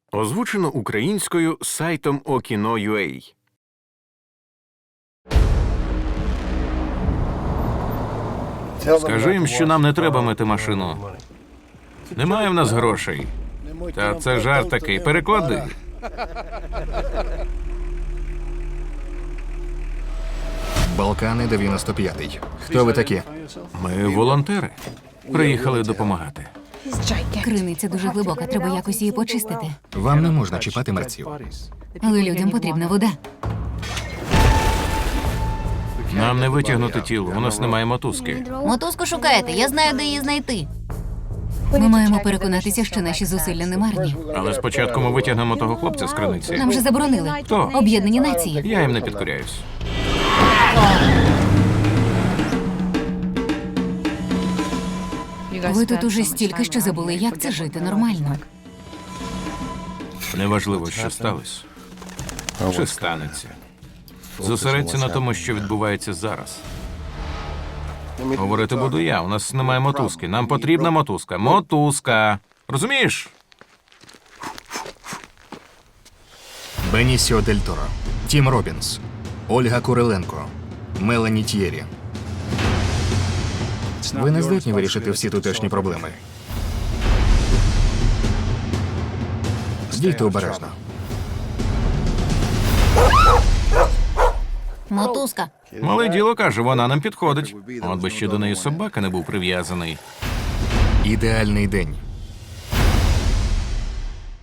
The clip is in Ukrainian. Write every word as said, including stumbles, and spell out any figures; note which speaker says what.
Speaker 1: Озвучено українською сайтом Okino.ua.
Speaker 2: Скажи їм, що нам не треба мити машину.
Speaker 1: Немає в нас грошей.
Speaker 2: Та це жарт такий. Переклади.
Speaker 3: Балкани дев'яносто п'ятий. Хто ви такі?
Speaker 1: Ми волонтери. Приїхали допомагати.
Speaker 4: Криниця дуже глибока, треба якось її почистити.
Speaker 3: Вам не можна чіпати мерців.
Speaker 4: Але людям потрібна вода.
Speaker 1: Нам не витягнути тіло, у нас немає мотузки.
Speaker 4: Мотузку шукаєте, я знаю, де її знайти. Ми маємо переконатися, що наші зусилля не марні.
Speaker 1: Але спочатку ми витягнемо того хлопця з криниці.
Speaker 4: Нам же заборонили.
Speaker 1: Хто?
Speaker 4: Об'єднані нації.
Speaker 1: Я їм не підкоряюсь.
Speaker 4: Ви тут уже стільки, що забули, як це жити нормально.
Speaker 1: Неважливо, що сталося. Чи станеться. Зосередься на тому, що відбувається зараз. Говорити буду я, у нас немає мотузки. Нам потрібна мотузка. Мотузка. Розумієш?
Speaker 3: Бенісіо Дель Торо, Тім Робінс, Ольга Куриленко, Мелані Т'єрі. Ви не здатні вирішити всі тутешні проблеми. Дійте обережно.
Speaker 4: Мотузка.
Speaker 1: Мале діло каже, вона нам підходить. От би ще до неї собака не був прив'язаний.
Speaker 3: Ідеальний день.